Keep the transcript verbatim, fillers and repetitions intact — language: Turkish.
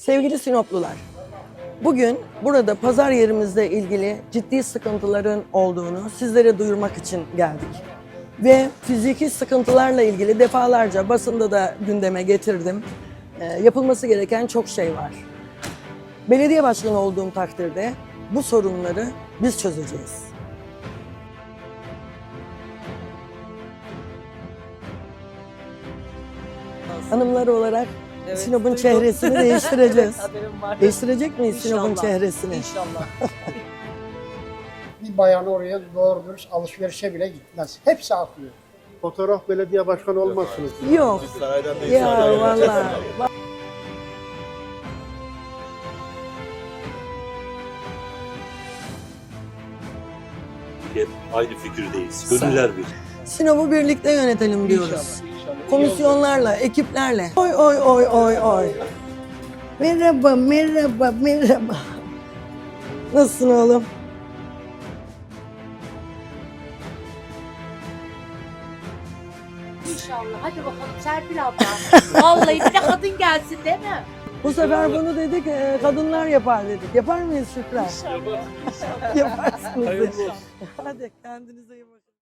Sevgili Sinoplular, bugün burada pazar yerimizle ilgili ciddi sıkıntıların olduğunu sizlere duyurmak için geldik. Ve fiziki sıkıntılarla ilgili defalarca basında da gündeme getirdim. E, yapılması gereken çok şey var. Belediye başkanı olduğum takdirde bu sorunları biz çözeceğiz. Hanımlar olarak Evet, Sinop'un duydum. çehresini değiştireceğiz. Evet, haberim var. Değiştirecek miyiz İnşallah, Sinop'un çehresini? İnşallah. Bir bayan oraya doğru dürüst alışverişe bile gitmez. Hepsi akıyor. Fotoğraf belediye başkanı olmazsınız. Yok. Ya vallahi. Hep aynı fikirdeyiz. Gönüller bir. Sinop'u birlikte yönetelim diyoruz. İnşallah, inşallah. Komisyonlarla, ekiplerle. Oy oy oy oy oy. Merhaba, merhaba, merhaba. Nasılsın oğlum? İnşallah. Hadi bakalım Serpil abla. Vallahi bir de kadın gelsin değil mi? Bu sefer bunu dedik, e, kadınlar yapar dedik. Yapar mıyız Şükran? İnşallah. Yaparsınız. Hadi kendinize iyi bakın.